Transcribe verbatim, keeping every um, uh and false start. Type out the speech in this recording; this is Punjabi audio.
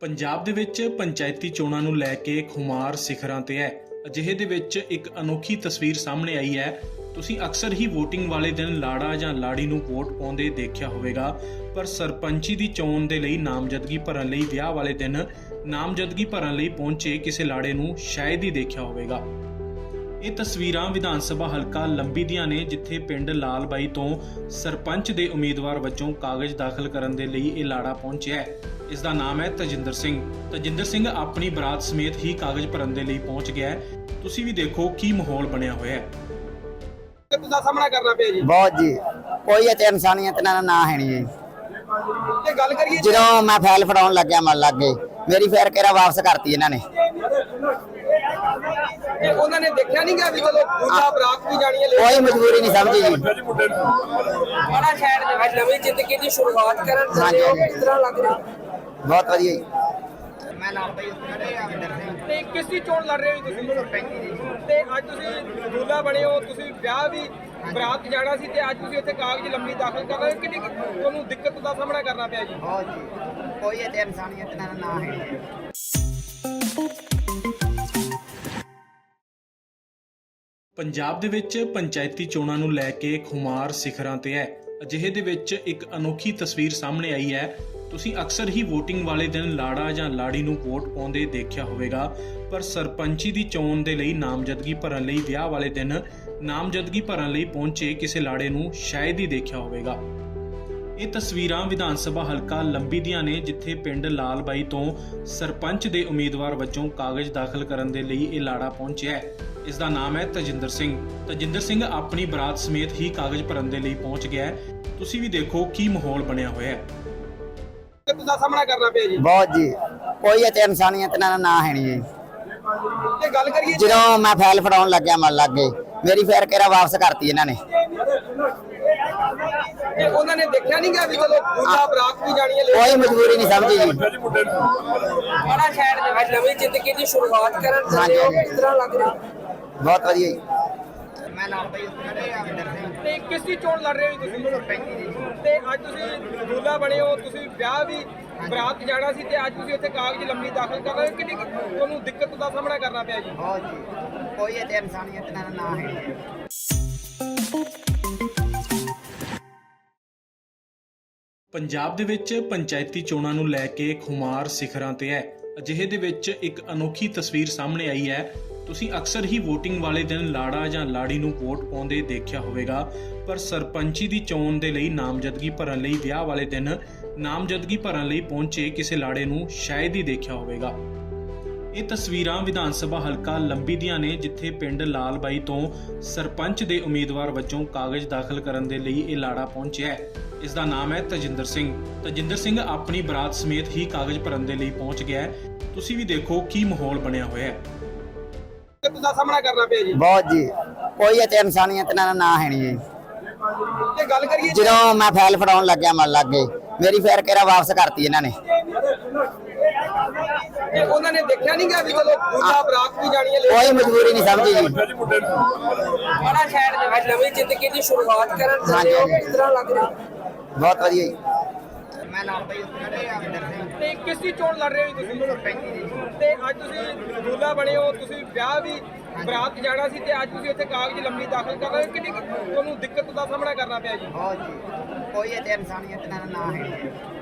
ਪੰਜਾਬ ਦੇ ਵਿੱਚ ਪੰਚਾਇਤੀ ਚੋਣਾਂ ਨੂੰ ਲੈ ਕੇ ਖੁਮਾਰ ਸਿਖਰਾਂ ਤੇ ਹੈ। ਅਜਿਹੇ ਦੇ ਵਿੱਚ ਇੱਕ ਅਨੋਖੀ ਤਸਵੀਰ ਸਾਹਮਣੇ ਆਈ ਹੈ। ਤੁਸੀਂ ਅਕਸਰ ਹੀ VOTING ਵਾਲੇ ਦਿਨ ਲਾੜਾ ਜਾਂ ਲਾੜੀ ਨੂੰ ਵੋਟ ਪਾਉਂਦੇ ਦੇਖਿਆ ਹੋਵੇਗਾ, ਪਰ ਸਰਪੰਚੀ ਦੀ ਚੋਣ ਦੇ ਲਈ ਨਾਮਜ਼ਦਗੀ ਭਰਨ ਲਈ ਵਿਆਹ ਵਾਲੇ ਦਿਨ ਨਾਮਜ਼ਦਗੀ ਭਰਨ ਲਈ ਪਹੁੰਚੇ ਕਿਸੇ ਲਾੜੇ ਨੂੰ ਸ਼ਾਇਦ ਹੀ ਦੇਖਿਆ ਹੋਵੇਗਾ। ਇਹ ਤਸਵੀਰਾਂ ਵਿਧਾਨ ਸਭਾ ਹਲਕਾ ਲੰਬੀ ਦੀਆਂ ਨੇ, ਜਿੱਥੇ ਪਿੰਡ ਲਾਲ ਬਾਈ ਤੋਂ ਸਰਪੰਚ ਦੇ ਉਮੀਦਵਾਰ ਵਜੋਂ ਕਾਗਜ਼ ਦਾਖਲ ਕਰਨ ਦੇ ਲਈ ਇਹ ਲਾੜਾ ਪਹੁੰਚਿਆ ਹੈ। ਇਸ ਦਾ ਨਾਮ ਹੈ ਤਜਿੰਦਰ ਸਿੰਘ। ਤਜਿੰਦਰ ਸਿੰਘ ਆਪਣੀ ਬਰਾਤ ਸਮੇਤ ਹੀ ਕਾਗਜ਼ ਭਰਨ ਦੇ ਲਈ ਪਹੁੰਚ ਗਿਆ ਹੈ। ਤੁਸੀਂ ਵੀ ਦੇਖੋ ਕੀ ਮਾਹੌਲ ਬਣਿਆ ਹੋਇਆ ਹੈ। ਦਾ ਸਾਹਮਣਾ ਕਰਨਾ ਪਿਆ ਜੀ ਬਹੁਤ ਜੀ, ਕੋਈ ਇੱਥੇ ਇਨਸਾਨੀਅਤ ਨਾ ਨਾ ਹੈ ਨਹੀਂ ਜੀ। ਤੇ ਗੱਲ ਕਰੀਏ ਜਦੋਂ ਮੈਂ ਫਾਈਲ ਫੜਾਉਣ ਲੱਗਿਆ ਮਨ ਲੱਗ ਗਏ, ਮੇਰੀ ਫੇਰ ਕਿਹੜਾ ਵਾਪਸ ਕਰਤੀ ਇਹਨਾਂ ਨੇ। ਤੇ ਉਹਨਾਂ ਨੇ ਦੇਖਿਆ ਨਹੀਂ ਕਿ ਵੀ ਚਲੋ ਦੂਜਾ ਬਰਾਤ ਵੀ ਜਾਣੀ ਹੈ, ਕੋਈ ਮਜਬੂਰੀ ਨਹੀਂ ਸਮਝੀ ਜੀ। ਬੜਾ ਸ਼ਹਿਰ ਦੇ ਵਿੱਚ ਨਵੀਂ ਜ਼ਿੰਦਗੀ ਦੀ ਸ਼ੁਰੂਆਤ ਕਰਨ ਚੱਲੇ ਹੋ, ਕਿਸ ਤਰ੍ਹਾਂ ਲੱਗ ਰਿਹਾ? ਬਹੁਤ ਵਧੀਆ ਜੀ। ਮੈਂ ਲਾਲ ਬਾਈ ਤੇ ਕਿਸ ਦੀ ਚੋਣ ਲੜ ਰਹੇ ਹੋ ਤੁਸੀਂ? ਸਰਪੰਚੀ ਦੀ। ਤੇ ਅੱਜ ਤੁਸੀਂ ਦੂਲਾ ਬਣੇ ਹੋ, ਤੁਸੀਂ ਵਿਆਹ ਵੀ ਬਰਾਤ ਜਾਣਾ ਸੀ ਤੇ ਅੱਜ ਤੁਸੀਂ ਇੱਥੇ ਕਾਗਜ਼ ਲੰਮੀ ਦਾਖਲ ਕਰ ਰਹੇ ਹੋ। ਕਿੰਨੀ ਤੁਹਾਨੂੰ ਦਿੱਕਤ ਦਾ ਸਾਹਮਣਾ ਕਰਨਾ ਪਿਆ ਜੀ? ਬਹੁਤ ਜੀ, ਕੋਈ ਇੱਥੇ ਇਨਸਾਨੀਅਤ ਨਾ ਨਾ ਹੈ। ਪੰਜਾਬ ਦੇ ਵਿੱਚ ਪੰਚਾਇਤੀ ਚੋਣਾਂ ਨੂੰ ਲੈ ਕੇ ਖੁਮਾਰ ਸਿਖਰਾਂ ਤੇ ਹੈ। ਅਜਿਹੇ ਦੇ ਵਿੱਚ ਇੱਕ ਅਨੋਖੀ ਤਸਵੀਰ ਸਾਹਮਣੇ ਆਈ ਹੈ। ਤੁਸੀਂ ਅਕਸਰ ਹੀ VOTING ਵਾਲੇ ਦਿਨ ਲਾੜਾ ਜਾਂ ਲਾੜੀ ਨੂੰ ਵੋਟ ਪਾਉਂਦੇ ਦੇਖਿਆ ਹੋਵੇਗਾ, ਪਰ ਸਰਪੰਚੀ ਦੀ ਚੋਣ ਦੇ ਲਈ ਨਾਮਜ਼ਦਗੀ ਭਰਨ ਲਈ ਵਿਆਹ ਵਾਲੇ ਦਿਨ ਨਾਮਜ਼ਦਗੀ ਭਰਨ ਲਈ ਪਹੁੰਚੇ ਕਿਸੇ ਲਾੜੇ ਨੂੰ ਸ਼ਾਇਦ ਹੀ ਦੇਖਿਆ ਹੋਵੇਗਾ। ਇਹ ਤਸਵੀਰਾਂ ਵਿਧਾਨ ਸਭਾ ਹਲਕਾ ਲੰਬੀ ਦੀਆਂ ਨੇ, ਜਿੱਥੇ ਪਿੰਡ ਲਾਲ ਬਾਈ ਤੋਂ ਸਰਪੰਚ ਦੇ ਉਮੀਦਵਾਰ ਵਜੋਂ ਕਾਗਜ਼ ਦਾਖਲ ਕਰਨ ਦੇ ਲਈ ਇਹ ਲਾੜਾ ਪਹੁੰਚਿਆ ਹੈ। ਇਸ ਦਾ ਨਾਮ ਹੈ ਤਜਿੰਦਰ ਸਿੰਘ। ਤਜਿੰਦਰ ਸਿੰਘ ਆਪਣੀ ਬਰਾਤ ਸਮੇਤ ਹੀ ਕਾਗਜ਼ ਭਰਨ ਦੇ ਲਈ ਪਹੁੰਚ ਗਿਆ ਹੈ। ਤੁਸੀਂ ਵੀ ਦੇਖੋ ਕੀ ਮਾਹੌਲ ਬਣਿਆ ਹੋਇਆ ਹੈ। ਦਾ ਸਾਹਮਣਾ ਕਰਨਾ ਪਿਆ ਜੀ ਬਹੁਤ ਜੀ, ਕੋਈ ਇੱਥੇ ਇਨਸਾਨੀਅਤ ਨਾ ਨਾ ਹੈ ਨਹੀਂ ਜੀ। ਤੇ ਗੱਲ ਕਰੀਏ ਜਦੋਂ ਮੈਂ ਫਾਈਲ ਫੜਾਉਣ ਲੱਗਿਆ ਮਨ ਲੱਗ ਗਏ, ਮੇਰੀ ਫੇਰ ਕਿਹੜਾ ਵਾਪਸ ਕਰਤੀ ਇਹਨਾਂ ਨੇ। ਤੇ ਉਹਨਾਂ ਨੇ ਦੇਖਿਆ ਨਹੀਂ ਕਿ ਵੀ ਚਲੋ ਦੂਜਾ ਬਰਾਤ ਵੀ ਜਾਣੀ ਹੈ, ਕੋਈ ਮਜਬੂਰੀ ਨਹੀਂ ਸਮਝੀ ਜੀ। ਬੜਾ ਸ਼ਹਿਰ ਦੇ ਵਿੱਚ ਨਵੀਂ ਜ਼ਿੰਦਗੀ ਦੀ ਸ਼ੁਰੂਆਤ ਕਰਨ ਚੱਲੇ ਹੋ, ਕਿਸ ਤਰ੍ਹਾਂ ਲੱਗ ਰਿਹਾ? ਬਹੁਤ ਵਧੀਆ ਜੀ। ਮੈਂ ਲਾਲ ਬਾਈ ਤੇ ਕਿਸ ਦੀ ਚੋਣ ਲੜ ਰਹੇ ਹੋ ਤੁਸੀਂ? ਸਰਪੰਚੀ ਦੀ। ਤੇ ਅੱਜ ਤੁਸੀਂ ਦੂਲਾ ਬਣੇ ਹੋ, ਤੁਸੀਂ ਵਿਆਹ ਵੀ ਬਰਾਤ ਜਾਣਾ ਸੀ ਤੇ ਅੱਜ ਤੁਸੀਂ ਇੱਥੇ ਕਾਗਜ਼ ਲੰਮੀ ਦਾਖਲ ਕਰ ਰਹੇ ਹੋ। ਕਿੰਨੀ ਤੁਹਾਨੂੰ ਦਿੱਕਤ ਦਾ ਸਾਹਮਣਾ ਕਰਨਾ ਪਿਆ ਜੀ? ਬਹੁਤ ਜੀ, ਕੋਈ ਇੱਥੇ ਇਨਸਾਨੀਅਤ ਨਾ ਨਾ ਹੈ। ਪੰਜਾਬ ਦੇ ਵਿੱਚ ਪੰਚਾਇਤੀ ਚੋਣਾਂ ਨੂੰ ਲੈ ਕੇ ਖੁਮਾਰ ਸਿਖਰਾਂ ਤੇ ਹੈ। ਅਜਿਹੇ ਦੇ ਵਿੱਚ ਇੱਕ ਅਨੋਖੀ ਤਸਵੀਰ ਸਾਹਮਣੇ ਆਈ ਹੈ। ਤੁਸੀਂ ਅਕਸਰ ਹੀ VOTING ਵਾਲੇ ਦਿਨ ਲਾੜਾ ਜਾਂ ਲਾੜੀ ਨੂੰ ਵੋਟ ਪਾਉਂਦੇ ਦੇਖਿਆ ਹੋਵੇਗਾ, ਪਰ ਸਰਪੰਚੀ ਦੀ ਚੋਣ ਦੇ ਲਈ ਨਾਮਜ਼ਦਗੀ ਭਰਨ ਲਈ ਵਿਆਹ ਵਾਲੇ ਦਿਨ ਨਾਮਜ਼ਦਗੀ ਭਰਨ ਲਈ ਪਹੁੰਚੇ ਕਿਸੇ ਲਾੜੇ ਨੂੰ ਸ਼ਾਇਦ ਹੀ ਦੇਖਿਆ ਹੋਵੇਗਾ। ਇਹ ਤਸਵੀਰਾਂ ਵਿਧਾਨ ਸਭਾ ਹਲਕਾ ਲੰਬੀ ਦੀਆਂ ਨੇ, ਜਿੱਥੇ ਪਿੰਡ ਲਾਲ ਬਾਈ ਤੋਂ ਸਰਪੰਚ ਦੇ ਉਮੀਦਵਾਰ ਵਜੋਂ ਕਾਗਜ਼ ਦਾਖਲ ਕਰਨ ਦੇ ਲਈ ਇਹ ਲਾੜਾ ਪਹੁੰਚਿਆ ਹੈ। ਇਸ ਦਾ ਨਾਮ ਹੈ ਤਜਿੰਦਰ ਸਿੰਘ। ਤਜਿੰਦਰ ਸਿੰਘ ਆਪਣੀ ਬਰਾਤ ਸਮੇਤ ਹੀ ਕਾਗਜ਼ ਭਰਨ ਦੇ ਲਈ ਪਹੁੰਚ ਗਿਆ ਹੈ। ਤੁਸੀਂ ਵੀ ਦੇਖੋ ਕੀ ਮਾਹੌਲ ਬਣਿਆ ਹੋਇਆ ਹੈ। ਦਾ ਸਾਹਮਣਾ ਕਰਨਾ ਪਿਆ ਜੀ ਬਹੁਤ ਜੀ, ਕੋਈ ਇੱਥੇ ਇਨਸਾਨੀਅਤ ਨਾ ਨਾ ਹੈ ਨਹੀਂ ਜੀ। ਤੇ ਗੱਲ ਕਰੀਏ ਜਦੋਂ ਮੈਂ ਫਾਈਲ ਫੜਾਉਣ ਲੱਗਿਆ ਮਨ ਲੱਗ ਗਏ, ਮੇਰੀ ਫੇਰ ਕਿਹੜਾ ਵਾਪਸ ਕਰਤੀ ਇਹਨਾਂ ਨੇ। ਤੇ ਉਹਨਾਂ ਨੇ ਦੇਖਿਆ ਨਹੀਂ ਕਿ ਵੀ ਚਲੋ ਦੂਜਾ ਬਰਾਤ ਵੀ ਜਾਣੀ ਹੈ, ਕੋਈ ਮਜਬੂਰੀ ਨਹੀਂ ਸਮਝੀ ਜੀ। ਬੜਾ ਸ਼ਹਿਰ ਦੇ ਵਿੱਚ ਨਵੀਂ ਜ਼ਿੰਦਗੀ ਦੀ ਸ਼ੁਰੂਆਤ ਕਰਨ ਚੱਲੇ ਹੋ, ਕਿਸ ਤਰ੍ਹਾਂ ਲੱਗ ਰਿਹਾ? ਬਹੁਤ ਵਧੀਆ ਜੀ। ਮੈਂ ਲਾਲ ਬਾਈ ਤੇ ਕਿਸ ਦੀ ਚੋਣ ਲੜ ਰਹੇ ਹੋ ਤੁਸੀਂ? ਸਰਪੰਚੀ ਦੀ। ਤੇ ਅੱਜ ਤੁਸੀਂ ਦੂਲਾ ਬਣੇ ਹੋ, ਤੁਸੀਂ ਵਿਆਹ ਵੀ ਬਰਾਤ ਜਾਣਾ ਸੀ ਤੇ ਅੱਜ ਤੁਸੀਂ ਇੱਥੇ ਕਾਗਜ਼ ਲੰਮੀ ਦਾਖਲ ਕਰ ਰਹੇ ਹੋ। ਕਿੰਨੀ ਤੁਹਾਨੂੰ ਦਿੱਕਤ ਦਾ ਸਾਹਮਣਾ ਕਰਨਾ ਪਿਆ ਜੀ? ਬਹੁਤ ਜੀ, ਕੋਈ ਇੱਥੇ ਇਨਸਾਨੀਅਤ ਨਾ ਨਾ ਹੈ।